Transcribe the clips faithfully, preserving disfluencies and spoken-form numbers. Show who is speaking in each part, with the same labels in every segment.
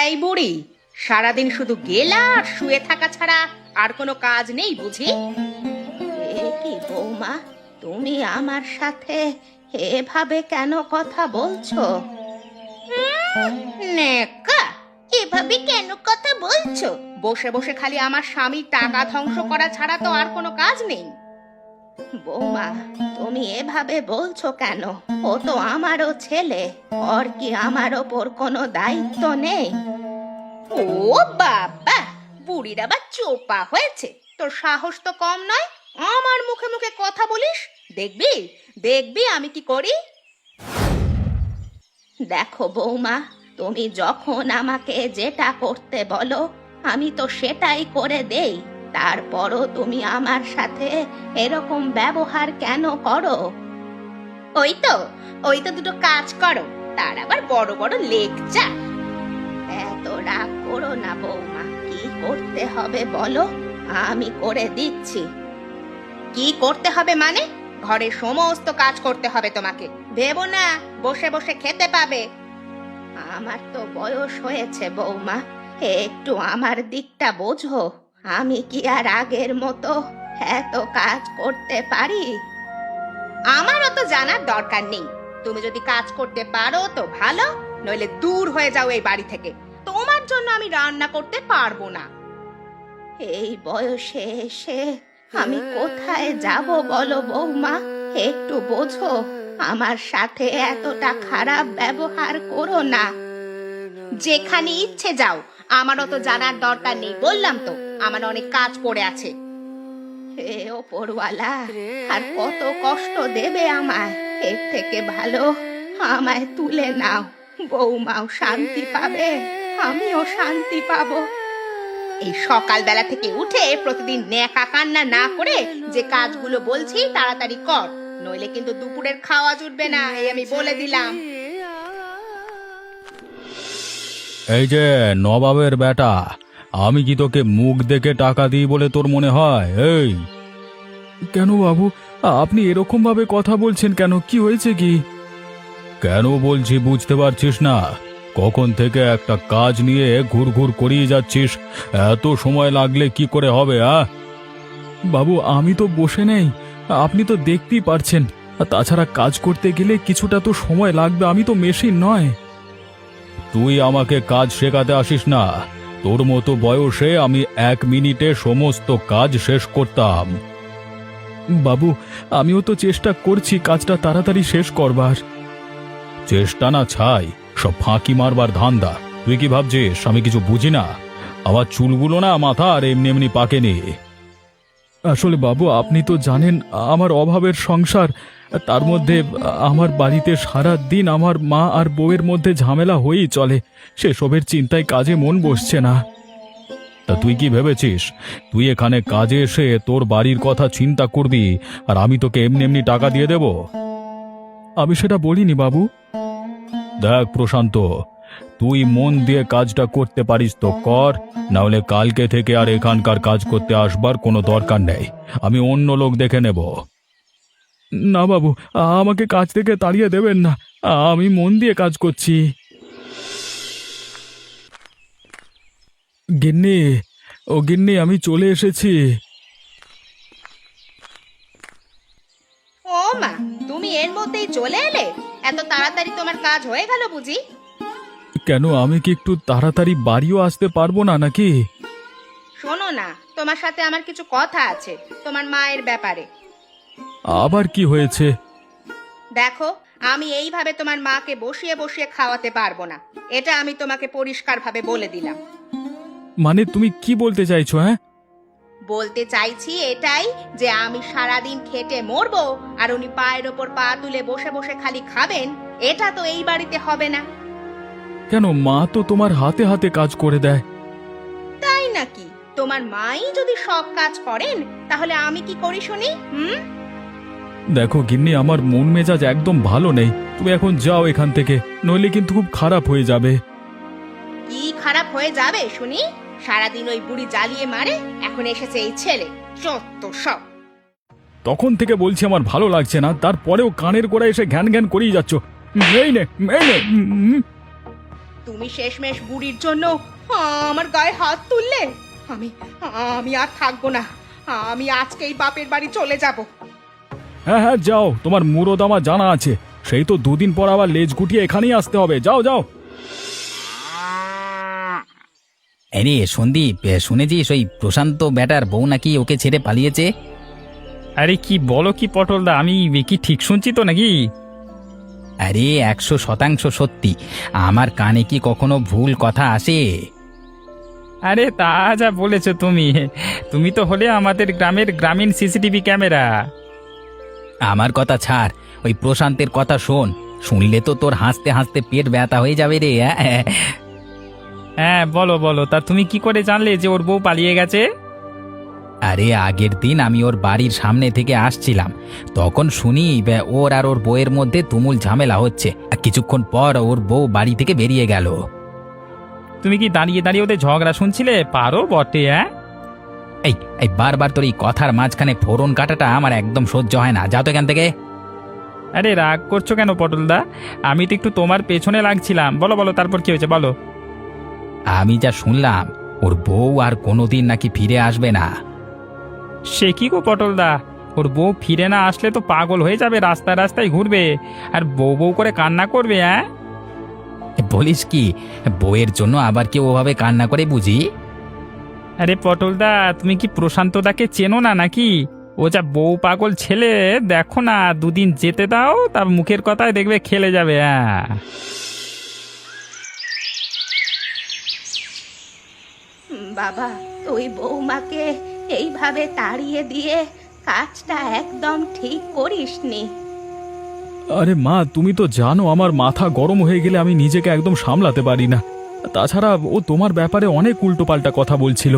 Speaker 1: এই বুড়ি, সারাদিন শুধু গেলা আর শুয়ে থাকা ছাড়া আর কোনো কাজ নেই বুঝি?
Speaker 2: এ কি বৌমা, তুমি আমার সাথে এভাবে কেন কথা বলছো?
Speaker 1: নেকা, এভাবে কেন কথা বলছো? বসে বসে খালি আমার স্বামীর টাকা ধ্বংস করা ছাড়া তো আর কোনো কাজ নেই।
Speaker 2: বৌমা, তুমি এভাবে বলছো কেন? ও তো আমারও ছেলে, ওর কি আমার ওপর কোনো দায়িত্ব নেই?
Speaker 1: ও বাবা, বুড়ির আবার চোপা হয়েছে। তোর সাহস তো কম নয়, আমার মুখে মুখে কথা বলিস। দেখবি দেখবি আমি কি করি।
Speaker 2: দেখো বৌমা, তুমি যখন আমাকে যেটা করতে বলো আমি তো সেটাই করে দেই, তারপরও তুমি আমার সাথে এরকম ব্যবহার কেন করো?
Speaker 1: ওই তো ওই তো দুটো কাজ করো, তার আবার বড় বড় লেকচার।
Speaker 2: এত রাগ করো না বৌমা, কি করতে হবে বলো, আমি করে দিচ্ছি।
Speaker 1: কি করতে হবে মানে? ঘরের সমস্ত কাজ করতে হবে তোমাকে। ভেবো না বসে বসে খেতে পাবে।
Speaker 2: আমার তো বয়স হয়েছে বৌমা, একটু আমার দিকটা বোঝো। আমি কি আর আগের মতো এত কাজ করতে পারি?
Speaker 1: আমার অত জানার দরকার নেই। তুমি যদি কাজ করতে পারো তো ভালো, নইলে দূর হয়ে যাও এই বাড়ি থেকে। তোমার জন্য আমি রান্না করতে পারবো না।
Speaker 2: এই বয়সে এসে আমি কোথায় যাব বলো বৌমা, একটু বোঝো। আমার সাথে এতটা খারাপ ব্যবহার করো না।
Speaker 1: যেখানে ইচ্ছে যাও, আমার অত জানার দরকার নেই বললাম তো। আমার অনেক কাজ পড়ে আছে।
Speaker 2: হে ওপরওয়ালা, আর কত কষ্ট দেবে আমায়? এর থেকে ভালো আমায় তুলে নাও, বৌমাও শান্তি পাবে, আমিও শান্তি পাবো।
Speaker 1: এই সকালবেলা থেকে উঠে প্রতিদিন ন্যাকা কান্না না করে যে কাজগুলো বলছি তাড়াতাড়ি কর, নইলে কিন্তু দুপুরের খাওয়া জুটবে না, এই আমি বলে দিলাম।
Speaker 3: এই যে নবাবের বেটা, আমি কি তোকে মুখ দেখে টাকা দিই বলে তোর মনে হয়? এই কেন বাবু, আপনি এরকম ভাবে কথা বলছেন কেন? কি হয়েছে কি? কেন বলছি বুঝতে পারছিস না? কখন থেকে একটা কাজ নিয়ে ঘুরঘুর করিয়ে যাচ্ছিস, এত সময় লাগলে কি করে হবে? আ বাবু, আমি তো বসে নেই, আপনি তো দেখতেই পারছেন। তাছাড়া কাজ করতে গেলে কিছুটা তো সময় লাগবে, আমি তো মেশিন নয়। তুই আমাকে কাজ শেখাতে আসিস না। তোর মতো বয়সে আমি এক মিনিটে সমস্ত কাজ শেষ করতাম। বাবু, আমিও তো চেষ্টা করছি কাজটা তাড়াতাড়ি শেষ করবার। চেষ্টা না ছাই, সব ফাঁকি মারবার ধান্দা। তুই কি ভাবছিস আমি কিছু বুঝি না? আমার চুলগুলো না মাথা আর এমনি এমনি পাকেনি। আসলে বাবু, আপনি তো জানেন আমার অভাবের সংসার, তার মধ্যে আমার বাড়িতে সারা দিন আমার মা আর বউয়ের মধ্যে ঝামেলা হয়েই চলে। সেসবের চিন্তায় কাজে মন বসছে না। তা তুই কি ভেবেছিস তুই এখানে কাজে এসে তোর বাড়ির কথা চিন্তা করবি আর আমি তোকে এমনি এমনি টাকা দিয়ে দেব? আমি সেটা বলিনি বাবু। দেখ প্রশান্ত, তুই মন দিয়ে কাজটা করতে পারিস তো কর, না হলে কালকে থেকে আর এখানকার কাজ করতে আসবার কোনো দরকার নেই। আমি অন্য লোক দেখে নেব। না বাবু, আমাকে কাজ থেকে তাড়িয়ে দেবেন না, আমি মন দিয়ে কাজ করছি। গিন্নি, ও গিন্নি, আমি চলে এসেছি।
Speaker 1: ও মা, তুমি এর মধ্যেই চলে এলে? এত তাড়াতাড়ি তোমার কাজ হয়ে গেল বুঝি?
Speaker 3: কেন, আমি কি একটু তাড়াতাড়ি বাড়িও আসতে পারবো না নাকি?
Speaker 1: শোনো না, তোমার সাথে আমার কিছু কথা আছে তোমার মায়ের ব্যাপারে।
Speaker 3: আবার কি হয়েছে?
Speaker 1: দেখো, আমি এইভাবে তোমার মাকে বসিয়ে বসিয়ে খাওয়াতে পারবো না, এটা আমি তোমাকে পরিষ্কারভাবে বলে দিলাম।
Speaker 3: মানে তুমি কি বলতে চাইছো? হ্যাঁ,
Speaker 1: বলতে চাইছি এটাই যে আমি সারাদিন খেটে মরবো আর উনি পায়ের ওপর পা তুলে বসে বসে খালি খাবেন, এটা তো এই বাড়িতে হবে না।
Speaker 3: কেন, মা তো তোমার হাতে হাতে কাজ করে দেয়।
Speaker 1: তাই নাকি? তোমার মাই যদি সব কাজ করেন তাহলে আমি কি করি শুনি? হুম
Speaker 3: দেখো গিন্নি, আমার মন মেজাজ একদম ভালো নেই, তুমি এখন যাও এখান থেকে, নইলে কিন্তু খুব খারাপ হয়ে যাবে।
Speaker 1: কি খারাপ হয়ে যাবে শুনি? সারাদিন ওই বুড়ি জ্বালিয়ে মারে, এখন এসেছে এই ছেলে, যত সব।
Speaker 3: তখন থেকে বলছি আমার ভালো লাগছে না, তারপরেও কানের গোড়া এসে ঘ্যান ঘ্যান করেই যাচ্ছ। এই নে, এই নে। উম,
Speaker 1: তুমি শেষমেশ বুড়ির জন্য আমার গায়ে হাত তুললে। আমি আমি আর থাকবো না, আমি আজকেই বাপের বাড়ি চলে যাব।
Speaker 3: হ্যাঁ হ্যাঁ যাও, তোমার মুরদ আমার জানা আছে। সেই তো দুদিন পর আবার লেজ গুটিয়ে এখানেই আসতে হবে। যাও যাও।
Speaker 4: আরে সন্দীপ, শুনেছিস ওই প্রশান্ত ব্যাটার বউ নাকি ওকে ছেড়ে পালিয়েছে?
Speaker 5: আরে কি বলো কি পটলদা, আমি কি ঠিক শুনছি তো নাকি?
Speaker 4: আরে একশো শতাংশ সত্যি। আমার কানে কি কখনো ভুল কথা আসে?
Speaker 5: আরে তা যা বলেছো তুমি, তুমি তো হলে আমাদের গ্রামের গ্রামীণ সিসিটিভি ক্যামেরা।
Speaker 4: আমার কথা ছাড়, ওই প্রশান্তের কথা শোন। শুনলে তো তোর হাসতে হাসতে পেট ব্যথা হয়ে যাবে রে।
Speaker 5: হ্যাঁ বলো বলো, তা তুমি কি করে জানলে যে ওর বউ পালিয়ে গেছে?
Speaker 4: আরে আগের দিন আমি ওর বাড়ির সামনে থেকে আসছিলাম, তখন শুনি বে, ওর আর ওর বউয়ের মধ্যে তুমুল ঝামেলা হচ্ছে। আর কিছুক্ষণ পর ওর বউ বাড়ি থেকে বেরিয়ে গেল।
Speaker 5: তুমি কি দাঁড়িয়ে দাঁড়িয়ে ওদের ঝগড়া শুনছিলে? পারো বটে। হ্যাঁ
Speaker 4: এই এই বারবার তোর এই কথার মাঝখানে ফোড়ন কাটাটা আমার একদম সহ্য হয় না। যাও তো এখান থেকে।
Speaker 5: আরে রাগ করছো কেন পটলদা? আমি তো একটু তোমার পেছনে লাগছিলাম। বলো বলো, তারপর কি হয়েছে বলো।
Speaker 4: আমি যা শুনলাম, ওর বউ আর কোনোদিন নাকি ফিরে আসবে না।
Speaker 5: সে কি গো পটলদা, ওর বউ ফিরে না আসলে তো পাগল হয়ে যাবে, রাস্তায় রাস্তায় ঘুরবে আর বউ বউ করে কান্না করবে। হ্যাঁ
Speaker 4: বলিস কি, বউয়ের জন্য আবার কেউ ওভাবে কান্না করে বুঝি?
Speaker 5: আরে পটলদা, তুমি কি প্রশান্তদাকে চেনো না নাকি? ও যা বউ পাগল ছেলে, দেখো না, দুদিন যেতে দাও, তার মুখের কথায় দেখবে খেলে যাবে। হ্যাঁ
Speaker 2: বাবা, তুই বৌমাকে এইভাবে তাড়িয়ে দিয়ে কাজটা একদম ঠিক করিসনি।
Speaker 3: আরে মা, তুমি তো জানো আমার মাথা গরম হয়ে গেলে আমি নিজেকে একদম সামলাতে পারি না। তাছাড়া ও তোমার ব্যাপারে অনেক উল্টোপাল্টা কথা বলছিল।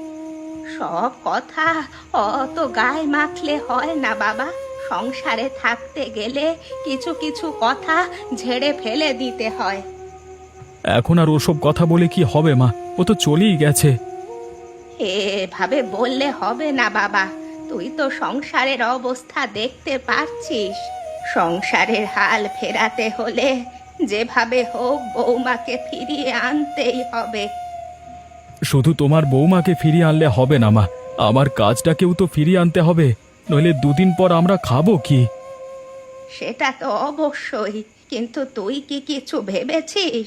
Speaker 2: সব কথা অত গায়ে মাখলে হয় না বাবা। সংসারে থাকতে গেলে কিছু কিছু কথা ঝেড়ে ফেলে দিতে হয়।
Speaker 3: এখন আর ওসব কথা বলে কি হবে মা? ও তো চলেই গেছে।
Speaker 2: এভাবে বললে হবে না বাবা। তুই তো সংসারের অবস্থা দেখতে পারছিস। সংসারের হাল ফেরাতে হলে যেভাবে হোক বৌমাকে ফিরিয়ে আনতেই হবে।
Speaker 3: শুধু তোমার বৌমাকে ফিরিয়ে আনলে হবে না মা, আমার কাজটাকেও তো ফিরিয়ে আনতে হবে, নইলে দুদিন পর আমরা খাবো কি?
Speaker 2: সেটা তো অবশ্যই, কিন্তু তুই কি কিছু ভেবেছিস?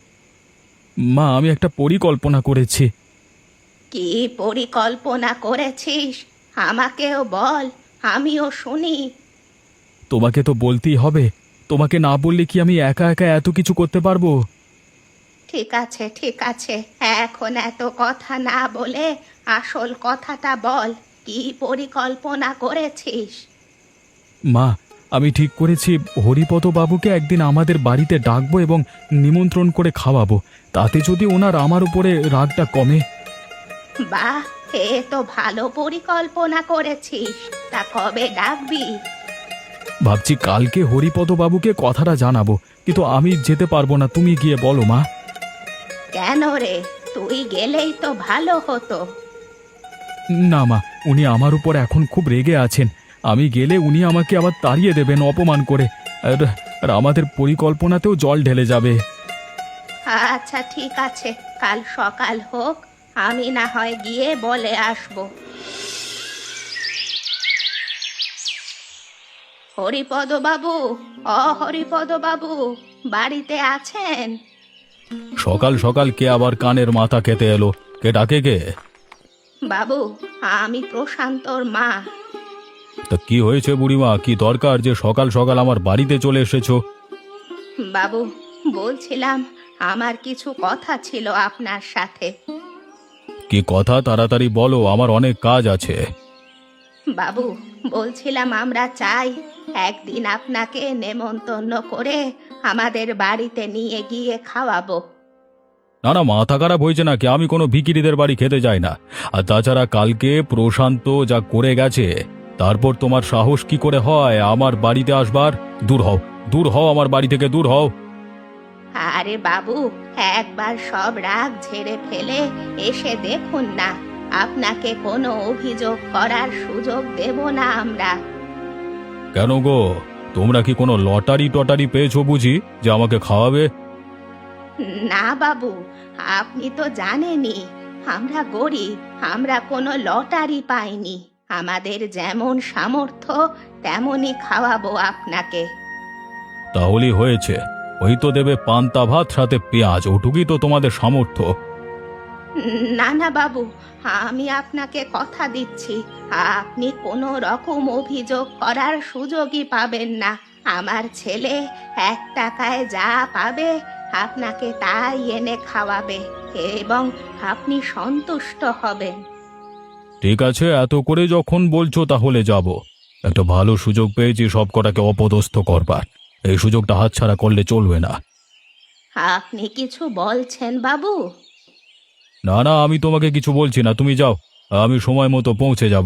Speaker 3: মা, আমি একটা পরিকল্পনা করেছি।
Speaker 2: কি পরিকল্পনা করেছিস? আমাকেও বল, আমিও শুনি।
Speaker 3: তোমাকে তো বলতেই হবে, তোমাকে না বললে কি আমি একা একা এত কিছু করতে পারবো?
Speaker 2: ঠিক আছে ঠিক আছে, এখন এত কথা না বলে আসল কথাটা বল, কি পরিকল্পনা করেছিস?
Speaker 3: মা, আমি ঠিক করেছি হরিপদ বাবুকে একদিন আমাদের বাড়িতে ডাকবো এবং নিমন্ত্রণ করে খাওয়াবো। তাতে যদি ওনার আমার উপরে রাগটা কমে।
Speaker 2: বাহ, এ তো ভালো পরিকল্পনা করেছিস। তা কবে ডাকবি?
Speaker 3: ভাবছি কালকে হরিপদ বাবুকে কথাটা জানাবো, কিন্তু আমি যেতে পারবো না। তুমি গিয়ে বলো মা।
Speaker 2: কেন রে, তুই গেলেই তো ভালো হতো।
Speaker 3: না মা, উনি আমার উপর এখন খুব রেগে আছেন। আমি গেলে উনি আমাকে আবার তাড়িয়ে দেবেন অপমান করে, আর আর আমাদের পরিকল্পনাতেও জল ঢেলে যাবে।
Speaker 2: আচ্ছা ঠিক আছে, কাল সকাল হোক, আমি না হয় গিয়ে বলে আসবো। হরিপদ বাবু, অ হরিপদ বাবু, বাড়িতে আছেন?
Speaker 3: সকাল সকাল কে আবার কানের মাথা খেতে এলো? কে ডাকে কে?
Speaker 2: বাবু, আমি প্রশান্তর মা।
Speaker 3: তা কি হয়েছে বুড়িমা? কি দরকার যে সকাল সকাল আমার বাড়িতে চলে এসেছো?
Speaker 2: বাবু, বলছিলাম আমার কিছু কথা ছিল আপনার সাথে।
Speaker 3: কি কথা? তাড়াতাড়ি বলো, আমার অনেক কাজ আছে।
Speaker 2: বাবু, বলছিলাম আমরা চাই একদিন আপনাকে নেমন্তন্ন করে আমাদের বাড়িতে নিয়ে গিয়ে খাওয়াবো।
Speaker 3: না না, মাথা খারাপ হয়েছে নাকি? আমি কোনো ভিখিরিদের বাড়ি খেতে যাই না। আর তাছাড়া কালকে প্রশান্ত যা করে গেছে, তারপর তোমার সাহস কি করে হয় আমার বাড়িতে আসবার? দূর হও, দূর হও, আমার বাড়ি থেকে দূর হও।
Speaker 2: আরে বাবু, একবার সব রাগ ঝেড়ে ফেলে এসে দেখুন না, আপনাকে কোনো অভিযোগ করার সুযোগ দেব না আমরা।
Speaker 3: কেন গো, তোমরা কি কোনো লটারি টটারি পেয়েছো বুঝি যে আমাকে খাওয়াবে?
Speaker 2: না বাবু, আপনি তো জানেনই আমরা গরিব, আমরা কোনো লটারি পাইনি। আমাদের যেমন সামর্থ্য তেমনই খাওয়াবো আপনাকে।
Speaker 3: তাহলেই হয়েছে। ওই তো দেবে পান্তা ভাত সাথে পেঁয়াজ, ওটুকুই তো তোমাদের সামর্থ্য।
Speaker 2: না না বাবু, আমি আপনাকে কথা দিচ্ছি, আপনি কোনো রকম অভিযোগ করার সুযোগই পাবেন না। আমার ছেলে এক টাকায় যা পাবে আপনাকে তাই এনে খাওয়াবে এবং আপনি সন্তুষ্ট হবেন।
Speaker 3: ঠিক আছে, এত করে যখন বলছো তাহলে যাব। একটা ভালো সুযোগ পেয়েছি সব কটাকে অপদস্থ করবার, এই সুযোগটা হাতছাড়া করলে চলবে না।
Speaker 2: আপনি কিছু বলছেন বাবু?
Speaker 3: না না, আমি তোমাকে কিছু বলছি না, তুমি যাও, আমি সময় মতো পৌঁছে যাব।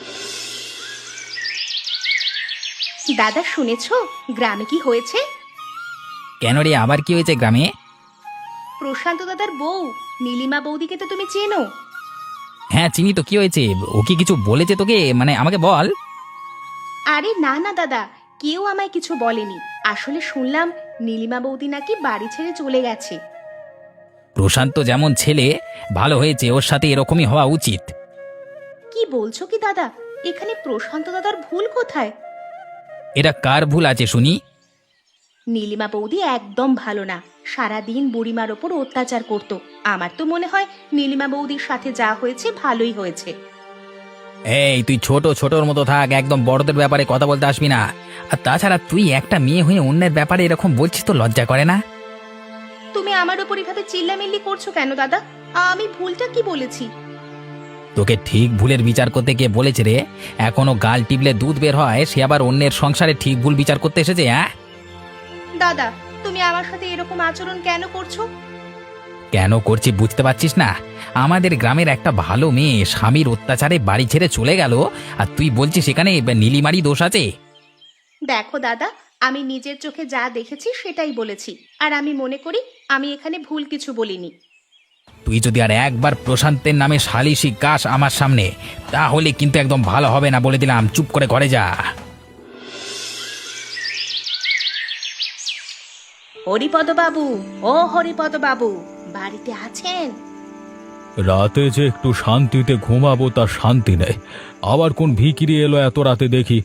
Speaker 2: দাদা শুনেছো গ্রামে কি হয়েছে?
Speaker 4: কেন রে, আবার কি হয়েছে গ্রামে?
Speaker 2: প্রশান্ত দাদার বউ নীলিমা বৌদিকে তো তুমি চেনো।
Speaker 4: হ্যাঁ চিনি তো, কি হয়েছে? ও কি কিছু বলেছে তোকে, মানে আমাকে বল।
Speaker 2: আরে না না দাদা, কেউ আমায় কিছু বলেনি। আসলে শুনলাম নীলিমা বৌদি নাকি বাড়ি ছেড়ে চলে গেছে।
Speaker 4: প্রশান্ত যেমন ছেলে, ভালো হয়েছে, ওর সাথে এরকমই হওয়া উচিত।
Speaker 2: কি বলছো কি দাদা? এখানে প্রশান্ত দাদার ভুল কোথায়?
Speaker 4: এটা কার ভুল আছে শুনি?
Speaker 2: নীলিমা বৌদি একদম ভালো না, সারাদিন বুড়িমার ওপর অত্যাচার করত। আমার তো মনে হয় নীলিমা বৌদির সাথে যা হয়েছে ভালোই হয়েছে।
Speaker 4: এই তুই ছোট ছোটর মতো থাক, একদম বড়দের ব্যাপারে কথা বলতে আসবি না। আর তাছাড়া তুই একটা মেয়ে হয়ে অন্যের ব্যাপারে এরকম বলছিস, তো লজ্জা করে না?
Speaker 2: তুমি আমার ওপর এভাবে চিল্লামিল্লি করছো কেন দাদা? আমি ভুলটা কি বলেছি?
Speaker 4: তোকে ঠিক ভুলের বিচার করতে গিয়ে বলেছে রে, এখনো গাল টিপলে দুধ বের হয়, সে আবার অন্যের সংসারে ঠিক ভুল বিচার করতে এসেছে? হ্যাঁ
Speaker 2: দাদা, তুমি আমার সাথে এরকম আচরণ কেন করছো?
Speaker 4: কেন করছি বুঝতে পারছিস না? আমাদের গ্রামের একটা ভালো মেয়ে স্বামীর অত্যাচারে বাড়ি ছেড়ে চলে গেল, আর তুই বলছিস সেখানে নীলিমারি দোষ আছে?
Speaker 2: দেখো দাদা, আমি নিজের চোখে যা দেখেছি সেটাই বলেছি, আর আমি মনে করি আমি এখানে ভুল কিছু বলিনি।
Speaker 4: তুই যদি আর একবার প্রশান্তের নামে সালিশি গাস আমার সামনে, তাহলে কিন্তু একদম ভালো হবে না, বলে দিলাম। চুপ করে ঘরে যা।
Speaker 2: হরিপদ বাবু, ও হরিপদ বাবু, বাড়িতে আছেন?
Speaker 3: রাতে যে একটু শান্তিতে ঘুমাবো তার শান্তি নেই, আবার কোন ভিখিরি এলো এত রাতে দেখি।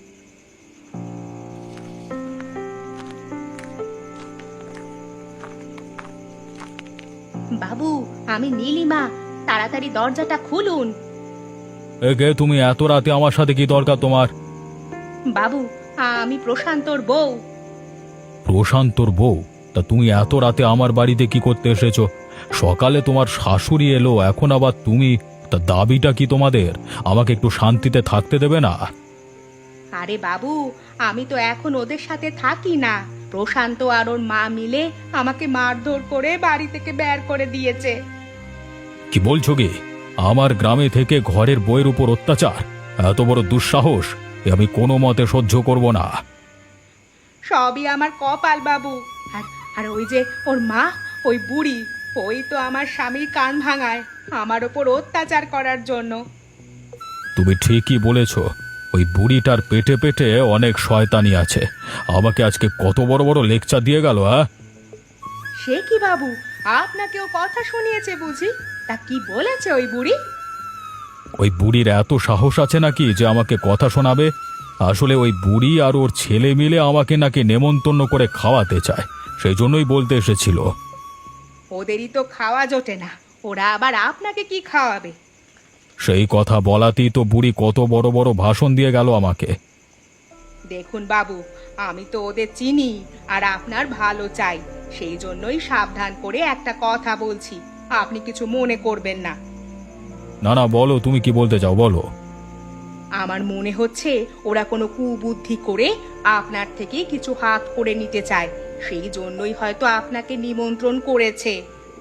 Speaker 2: বাবু, আমি নীলিমা, তাড়াতাড়ি দরজাটা খুলুন।
Speaker 3: একে তুমি এত রাতে আমার সাথে কি দরকার তোমার?
Speaker 2: বাবু, আমি প্রশান্তর বউ।
Speaker 3: প্রশান্তর বউ? তা তুমি এত রাতে আমার বাড়িতে কি করতে এসেছো? সকালে তোমার শাশুড়ি এলো, এখন আবার তুমি? তা দাবিটা কি তোমাদের? আমাকে একটু শান্তিতে থাকতে দেবে না?
Speaker 2: আরে বাবু, আমি তো এখন ওদের সাথে থাকি না। প্রশান্ত আর ওর মা মিলে আমাকে মারধর করে বাড়ি থেকে বের করে দিয়েছে।
Speaker 3: কি বলছো কি? আমার গ্রামে থেকে ঘরের বইয়ের উপর অত্যাচার, এত বড় দুঃসাহস! এ আমি কোনো মতে সহ্য করব না।
Speaker 2: সবই আমার কপাল বাবু। আর আর ওই যে ওর মা, ওই বুড়ি, ওই তো আমার স্বামীর কান ভাঙায় আমার ওপর অত্যাচার করার জন্য।
Speaker 3: তুমি ঠিকই বলেছ, ওই বুড়িটার পেটে পেটে অনেক শয়তানি আছে। আমাকে আজকে কত বড় বড় লেকচার দিয়ে গেল। হ্যাঁ,
Speaker 2: সে কি বাবু, আপনাকেও কথা শুনিয়েছে বুঝি? তা কি বলেছে ওই বুড়ি?
Speaker 3: ওই বুড়ির এত সাহস আছে নাকি যে আমাকে কথা শোনাবে? আসলে ওই বুড়ি আর ওর ছেলে মিলে আমাকে নাকি নেমন্তন্ন করে খাওয়াতে চায়, সেই জন্যই বলতে এসেছিল।
Speaker 2: ওদেরই তো খাওয়া জোটে না, ওরা আবার আপনাকে কি খাওয়াবে?
Speaker 3: সেই কথা বলাতেই তো বুড়ি কত বড় বড় ভাষণ দিয়ে গেল আমাকে।
Speaker 2: দেখুন বাবু, আমি তো ওদের চিনি আর আপনার ভালো চাই, সেই জন্যই সাবধান করে একটা কথা বলছি, আপনি কিছু মনে করবেন না।
Speaker 3: না না, বলো, তুমি কি বলতে চাও বলো।
Speaker 2: আমার মনে হচ্ছে ওরা কোনো কুবুদ্ধি করে আপনার থেকে কিছু হাত করে নিতে চায়, সেই জন্যই হয়তো আপনাকে নিমন্ত্রণ করেছে।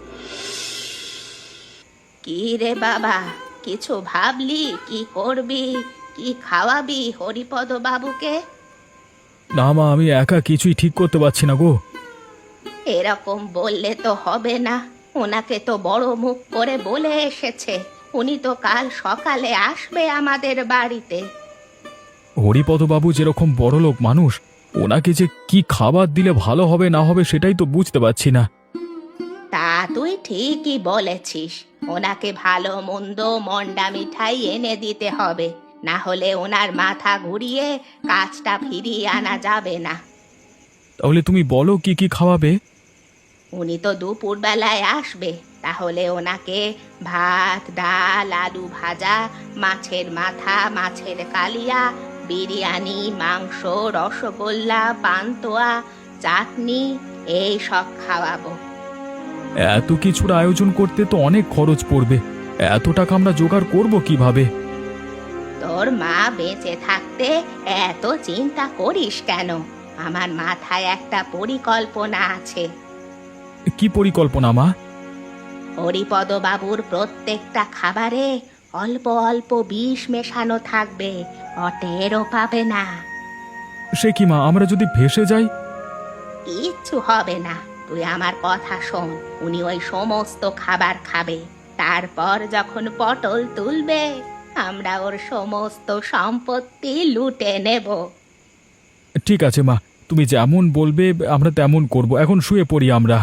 Speaker 2: কি রে বাবা, কিছু ভাবলি? কি করবি? কি খাওয়াবি হরিপদ বাবুকে?
Speaker 3: না মা, আমি একা কিছুই ঠিক করতে পারছি না গো।
Speaker 2: এরকম বললে তো হবে না, ওনাকে তো বড় মুখ করে বলে এসেছে উনি তো কাল সকালে আসবে আমাদের বাড়িতে।
Speaker 3: হরিপদবাবু যেরকম বড়লোক মানুষ, ওনাকে যে কি খাবার দিলে ভালো হবে না হবে সেটাই তো বুঝতে পারছি না।
Speaker 2: তা তুই ঠিকই বলেছিস, ওনাকে ভালো মন্দ মন্ডা মিঠাই এনে দিতে হবে, না হলে ওনার মাথা ঘুরিয়ে কাজটা ফিরিয়ে আনা যাবে না।
Speaker 3: তাহলে তুমি বলো কি কি খাওয়াবে?
Speaker 2: উনি তো দুপুর বেলায় আসবে, তাহলে ওনাকে ভাত, ডাল, আলু ভাজা, মাছের মাথা, মাছের কালিয়া, বিরিয়ানি, মাংস, রসগোল্লা, পান্তুয়া, চাটনি এই সব খাওয়াবো।
Speaker 3: এত কিছুর আয়োজন করতে তো অনেক খরচ পড়বে, এত টাকা আমরা জোগাড় করব কিভাবে?
Speaker 2: তোর মা বেঁচে থাকতে এত চিন্তা করিস কেন? আমার মাথায় একটা পরিকল্পনা আছে।
Speaker 3: কি পরিকল্পনা মা?
Speaker 2: হরিপদ বাবুর প্রত্যেকটা খাবারে অল্প অল্প বিষ মেশানো থাকবে, অটেরও পাবে না।
Speaker 3: সে কি মা, আমরা যদি ভেসে যাই?
Speaker 2: কিচ্ছু হবে না, তুই আমার কথা শোন। উনি ওই সমস্ত খাবার খাবে, তারপর যখন পটল তুলবে আমরা ওর সমস্ত সম্পত্তি লুটে নেব।
Speaker 3: ঠিক আছে মা, তুমি যেমন বলবে আমরা তেমন করব। এখন শুয়ে পড়ি আমরা।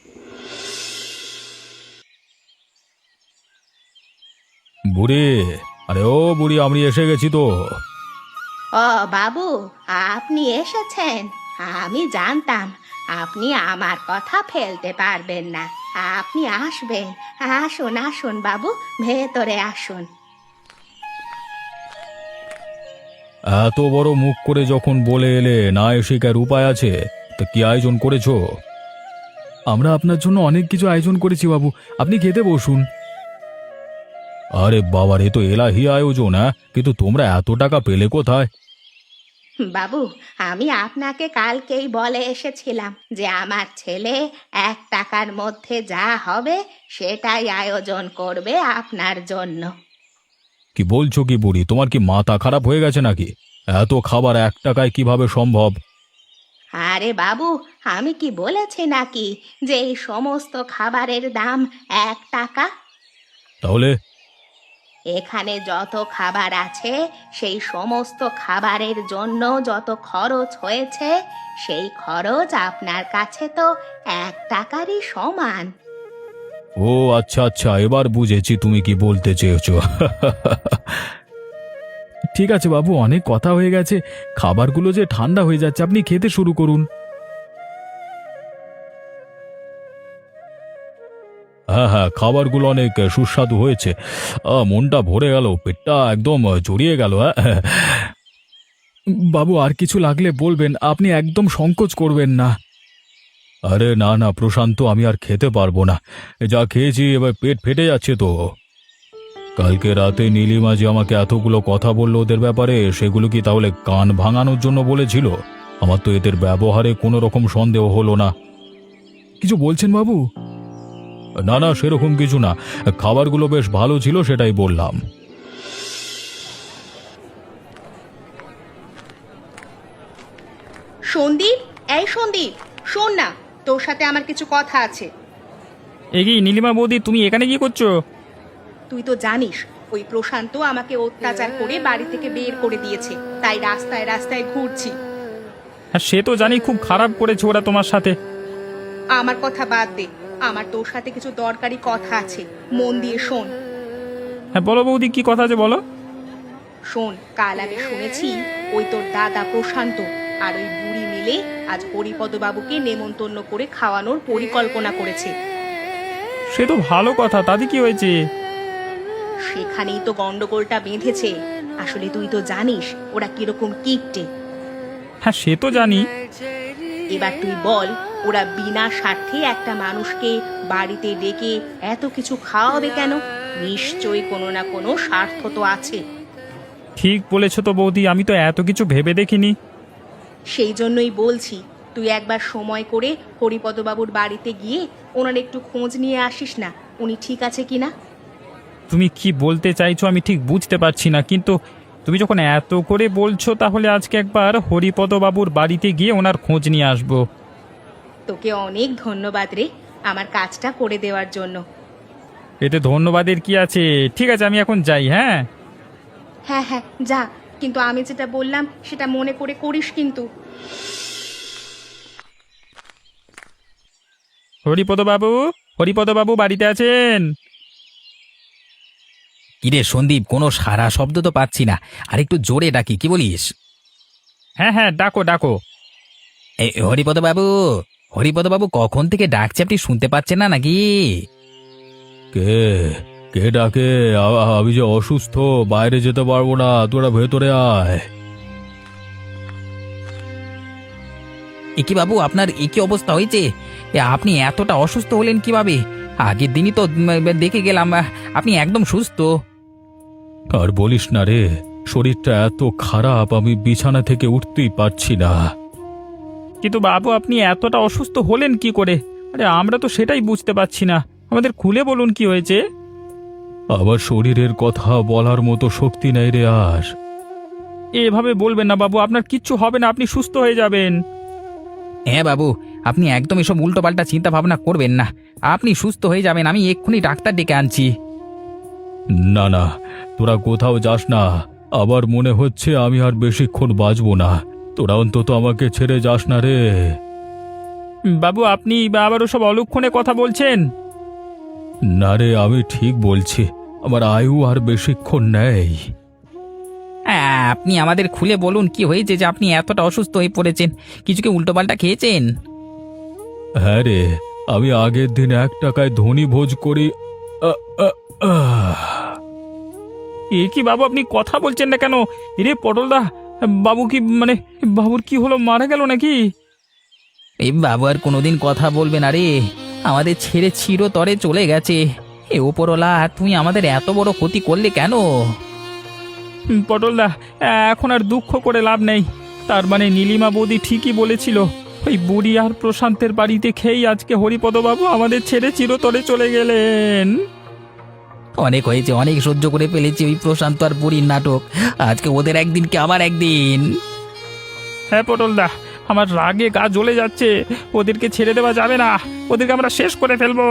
Speaker 3: বুড়ি, আরে ও বুড়ি, আমি এসে গেছি তো।
Speaker 2: ও বাবু, আপনি এসেছেন? আমি জানতাম আপনি আমার কথা ফেলতে পারবেন না, আপনি আসবেন। আসুন আসুন বাবু, ভেতরে আসুন।
Speaker 3: এত বড় মুখ করে যখন বলে এলে, না এসে কার উপায় আছে? তা কি আয়োজন করেছো? আমরা আপনার জন্য অনেক কিছু আয়োজন করেছি বাবু, আপনি খেতে বসুন। আরে বাবা, এ তো এলাহি আয়োজন। হ্যাঁ, কিন্তু তোমরা এত টাকা পেলে কোথায়?
Speaker 2: বাবু, আমি আপনাকে কালকেই বলে এসেছিলাম যে আমার ছেলে এক টাকার মধ্যে যা হবে সেটাই আয়োজন করবে আপনার জন্য।
Speaker 3: কি বলছো কি বুড়ি, তোমার কি মাথা খারাপ হয়ে গেছে নাকি? এত খাবার এক টাকায় কিভাবে সম্ভব?
Speaker 2: আরে বাবু, আমি কি বলেছি নাকি যে এই সমস্ত খাবারের দাম এক টাকা?
Speaker 3: তাহলে
Speaker 2: এখানে যত খাবার আছে সেই সমস্ত খাবারের জন্য যত খরচ হয়েছে সেই খরচ আপনার কাছে তো এক টাকারই সমান।
Speaker 3: ও আচ্ছা আচ্ছা, এবার বুঝেছি তুমি কি বলতে চেয়েছো। ঠিক আছে বাবু, অনেক কথা হয়ে গেছে, খাবারগুলো যে ঠান্ডা হয়ে যাচ্ছে, আপনি খেতে শুরু করুন। হ্যাঁ হ্যাঁ, খাবারগুলো অনেক সুস্বাদু হয়েছে। আহ, মনটা ভরে গেল, পেটটা একদম জড়িয়ে গেল। হ্যাঁ বাবু, আর কিছু লাগলে বলবেন, আপনি একদম সংকোচ করবেন না। আরে না না প্রশান্ত, আমি আর খেতে পারবো না, যা খেয়েছি এবার পেট ফেটে যাচ্ছে তো। কালকে রাতে নীলিমা যে আমাকে এতগুলো কথা বললো ওদের ব্যাপারে, সেগুলো কি তাহলে কান ভাঙানোর জন্য বলেছিল? আমার তো এদের ব্যবহারে কোনো রকম সন্দেহ হলো না। কিছু বলছেন বাবু? না না, সেরকম কিছু না, খাবারগুলো বেশ ভালো ছিল সেটাই বললাম।
Speaker 1: সন্দীপ, এই সন্দীপ, শোন না, তোর সাথে আমার কিছু কথা আছে।
Speaker 5: এগিয়ে নীলিমা বৌদি, তুমি এখানে কি করছো?
Speaker 1: তুই তো জানিস ওই প্রশান্ত আমাকে অত্যাচার করে বাড়ি থেকে বের করে দিয়েছে, তাই রাস্তায় রাস্তায় ঘুরছি।
Speaker 5: হ্যাঁ, সে তো জানি, খুব খারাপ করেছে ওরা তোমার সাথে।
Speaker 1: আমার কথা বাদ দে, আমার তোর সাথে কিছু দরকারি কথা আছে, মন দিয়ে শোন।
Speaker 5: হ্যাঁ বলো বৌদি, কি কথা আছে বলো।
Speaker 1: শোন, কাল আমি শুনেছি ওই তোর দাদা প্রশান্ত আর ওই বুড়ি মিলে আজ হরিপদ বাবুকে নেমন্তন্ন করে খাওয়ানোর পরিকল্পনা করেছে।
Speaker 5: সে তো ভালো কথা, তাতে কি হয়েছে?
Speaker 1: সেখানেই তো গন্ডগোলটা বেঁধেছে। আসলে তুই তো জানিস ওরা কিরকম কিপটে।
Speaker 5: হ্যাঁ সে তো জানি।
Speaker 1: এবার তুই বল, ওরা বিনা স্বার্থে একটা মানুষকে বাড়িতে ডেকে এত কিছু খাওয়াবে কেন? নিশ্চয়ই কোনো না কোনো স্বার্থ তো আছে।
Speaker 5: ঠিক বলেছ তো বৌদি, আমি তো এত কিছু ভেবে দেখিনি।
Speaker 1: সেই জন্যই বলছি, তুই একবার সময় করে হরিপদবাবুর বাড়িতে গিয়ে ওনার একটু খোঁজ নিয়ে আসিস না, উনি ঠিক আছে কিনা।
Speaker 5: তুমি কি বলতে চাইছো আমি ঠিক বুঝতে পারছি না, কিন্তু তুমি যখন এত করে বলছো তাহলে আজকে একবার হরিপদ বাবুর বাড়িতে গিয়ে ওনার খোঁজ নিয়ে আসবো।
Speaker 1: তোকে অনেক ধন্যবাদ রে, আমার কাজটা করে দেওয়ার জন্য।
Speaker 5: এতে ধন্যবাদের কি আছে? ঠিক আছে, আমি এখন যাই। হ্যাঁ
Speaker 1: হ্যাঁ হ্যাঁ যা, কিন্তু আমি যেটা বললাম সেটা মনে করে করিস কিন্তু।
Speaker 5: হরিপদ বাবু, হরিপদবাবু বাড়িতে আছেন?
Speaker 4: কিরে সন্দীপ, কোনো সারা শব্দ তো পাচ্ছি না, আর একটু জোরে ডাকি, কি বলিস?
Speaker 5: হ্যাঁ হ্যাঁ, ডাকো ডাকো।
Speaker 4: এই হরিপদ বাবু, হরিপদ বাবু কখন থেকে ডাকছে, আপনি শুনতে পাচ্ছেন না নাকি?
Speaker 3: কে কে ডাকে? আ- আমি যে অসুস্থ, বাইরে যেতে পারবো না, তোরা ভেতরে আয়।
Speaker 4: একি বাবু, আপনার একই অবস্থা হয়েছে? এ, আপনি এতটা অসুস্থ হলেন কিভাবে? আগের দিনই তো উম, দেখে গেলাম আহ, আপনি একদম সুস্থ।
Speaker 3: আর বলিস না রে, শরীরটা এত খারাপ, আমি বিছানা থেকে উঠতেই পারছি না।
Speaker 5: কিন্তু বাবু, আপনি এতটা অসুস্থ হলেন কি করে? আরে আমরা তো সেটাই বুঝতে পারছি না, আমাদের খুলে বলুন কি হয়েছে।
Speaker 3: আমার শরীরের কথা বলার মতো শক্তি নেই রে আর।
Speaker 5: এভাবে বলবেন না বাবু, আপনার কিচ্ছু হবে না, আপনি সুস্থ হয়ে যাবেন।
Speaker 4: হ্যাঁ বাবু, আপনি একদম এসব উল্টোপাল্টা চিন্তা ভাবনা করবেন না, আপনি সুস্থ হয়ে যাবেন, আমি এক্ষুনি ডাক্তার ডেকে আনছি।
Speaker 3: না না, তোরা কোথাও যাস না, আবার মনে হচ্ছে আমি আর বেশিক্ষণ বাঁচবো না। তোরা অন্তত আমাকে ছেড়ে যাস না রে।
Speaker 5: বাবু, আপনি বা আবার ওসব অলক্ষণে কথা বলছেন?
Speaker 3: না রে, আমি ঠিক বলছি, আমার আয়ু আর বেশিক্ষণ নেই।
Speaker 4: হ্যাঁ, আপনি আমাদের খুলে বলুন কি হয়েছে যে আপনি এতটা অসুস্থ হয়ে পড়েছেন, কিছু কি উল্টোপাল্টা খেয়েছেন?
Speaker 3: হ্যাঁ রে, আমি আগের দিন এক টাকায় ধনী ভোজ করি। আ, আ, আহ।
Speaker 5: এ কি বাবু, আপনি কথা বলছেন না কেন? রে পটলদা, বাবু কি মানে বাবুর কি হলো, মারা গেল নাকি?
Speaker 4: এই বাবু আর কোনোদিন কথা বলবে না রে, আমাদের ছেড়ে চিরতরে চলে গেছে। এ ওপরওয়ালা, তুমি আমাদের এত বড় ক্ষতি করলে কেন?
Speaker 5: হুম, পটলদা, এখন আর দুঃখ করে লাভ নেই। তার মানে নীলিমা বৌদি ঠিকই বলেছিল, ওই বুড়ি আর প্রশান্তের বাড়িতে খেয়েই আজকে হরিপদবাবু আমাদের ছেড়ে চিরতরে চলে গেলেন।
Speaker 4: অনেক হয়েছে, অনেক সহ্য করে ফেলেছি ওই প্রশান্ত আর বুড়ির নাটক, আজকে ওদের একদিন কি আমার একদিন।
Speaker 5: হ্যাঁ পটলদা, আমার রাগে গা জ্বলে যাচ্ছে, ওদেরকে ছেড়ে দেওয়া যাবে না, ওদেরকে আমরা শেষ করে ফেলবো।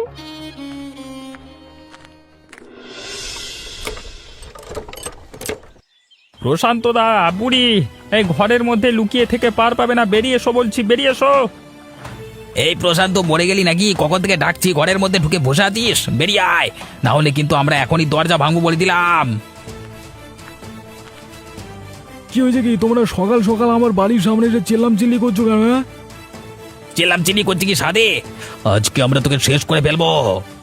Speaker 5: প্রশান্তদা, বুড়ি, এই ঘরের মধ্যে লুকিয়ে থেকে পার পাবে না, বেরিয়ে এসো বলছি, বেরিয়ে এসো।
Speaker 4: এই প্রশান্ত, মরে গেলি নাকি? কখন থেকে ডাকছি, ঘরের মধ্যে ঢুকে বসে আছিস? বেরিয়ে আয়, না হলে কিন্তু আমরা এখনই দরজা ভাঙবো বলে দিলাম।
Speaker 3: কি হয়েছে কি? তোমরা সকাল সকাল আমার বাড়ির সামনে এসে চেল্লাম চিল্লি করছো কেন? হ্যাঁ,
Speaker 4: চেলাম চিনি করছি কি সাদে? আজকে আমরা তোকে শেষ করে ফেলবো।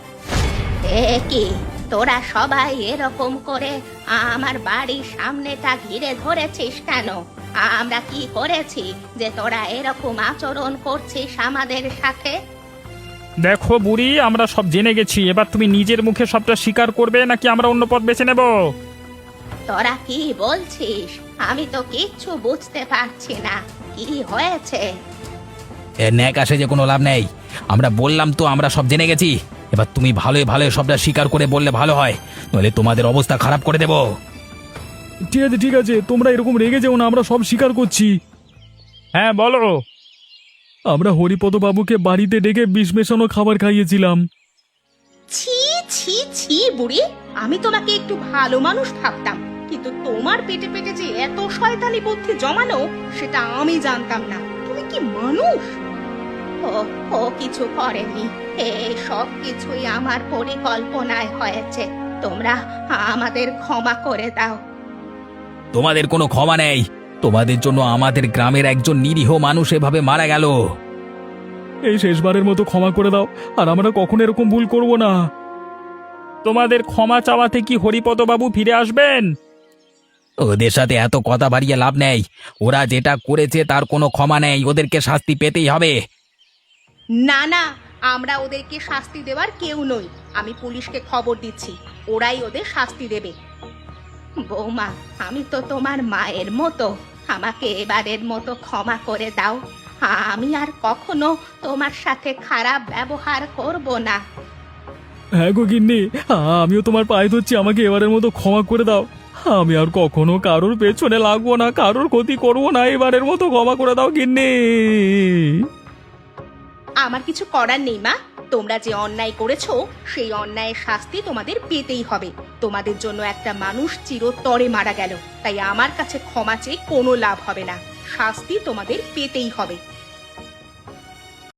Speaker 2: এ কি, তোরা সবাই এরকম করে আমার বাড়ির সামনেটা ঘিরে ধরেছিস কেন? আমরা কি করেছি যে তোরা এরকম আচরণ করছিস আমাদের সাথে?
Speaker 5: দেখো বুড়ি, আমরা সব জেনে গেছি, এবার তুমি নিজের মুখে সবটা স্বীকার করবে নাকি আমরা অন্য পথ বেছে নেব?
Speaker 2: তোরা কি বলছিস? আমি তো কিচ্ছু বুঝতে পারছি না, কি হয়েছে?
Speaker 4: এর ন্যাক আসে যে কোনো লাভ নেই, আমরা বললাম তো আমরা সব জেনে গেছি, এবার তুমি ভালোই ভালোই সবটা স্বীকার করে বললে ভালো হয়, নইলে তোমাদের অবস্থা খারাপ করে দেবো।
Speaker 3: ঠিক আছে ঠিক আছে, তোমরা এরকম রেগে যেও না, আমরা সব স্বীকার করছি।
Speaker 5: হ্যাঁ বলো।
Speaker 3: আমরা হরিপদ বাবুকে বাড়িতে ডেকে বিষ মেশানো খাবার খাইয়েছিলাম।
Speaker 1: ছি ছি ছি বুড়ি, আমি তোমাকে একটু ভালো মানুষ ভাবতাম, কিন্তু তোমার পেটে পেটে যে এত শয়তানি বুদ্ধি জমানো, সেটা আমি জানতাম না। তুমি কি মানুষ?
Speaker 2: ও ও কিছু করেনি, এই সব কিছুই আমার পরিকল্পনায় হয়েছে। তোমরা আমাদের ক্ষমা করে দাও।
Speaker 4: তোমাদের কোনো ক্ষমা নেই, তোমাদের জন্য আমাদের গ্রামের একজন নিরীহ মানুষ এভাবে মারা গেল।
Speaker 3: এই শেষবারের মতো ক্ষমা করে দাও, আর আমরা কখনো এরকম ভুল করব না।
Speaker 5: তোমাদের ক্ষমা চাওয়াতে কি হরিপদবাবু ফিরে আসবেন?
Speaker 4: ওদের সাথে এত কথা বাড়িয়ে লাভ নেই, ওরা যেটা করেছে তার কোনো ক্ষমা নেই, ওদেরকে শাস্তি পেতেই হবে।
Speaker 1: না না, আমরা ওদেরকে শাস্তি দেওয়ার কেউ নই। আমি পুলিশকে খবর দিচ্ছি, ওরাই ওদের শাস্তি দেবে।
Speaker 2: বৌমা, আমি তো তোমার মায়ের মতো, আমাকে এবারের মতো ক্ষমা করে দাও। আমি আর কখনো তোমার সাথে খারাপ ব্যবহার করব না।
Speaker 3: হ্যাঁ গো গিন্নি, আমিও তোমার পায়ে ধরছি, আমাকে এবারের মতো ক্ষমা করে দাও। আমি আর কখনো কারোর পেছনে লাগবো না, কারোর ক্ষতি করবো না, এবারের মতো ক্ষমা করে দাও গিন্নি।
Speaker 1: আমার কিছু করার নেই মা, তোমরা যে অন্যায় করেছো সেই অন্যায়ের শাস্তি তোমাদের পেতেই হবে। তোমাদের জন্য একটা মানুষ চিরতরে মারা গেল, তাই আমার কাছে ক্ষমা চেয়ে কোনো লাভ হবে না, শাস্তি তোমাদের পেতেই হবে।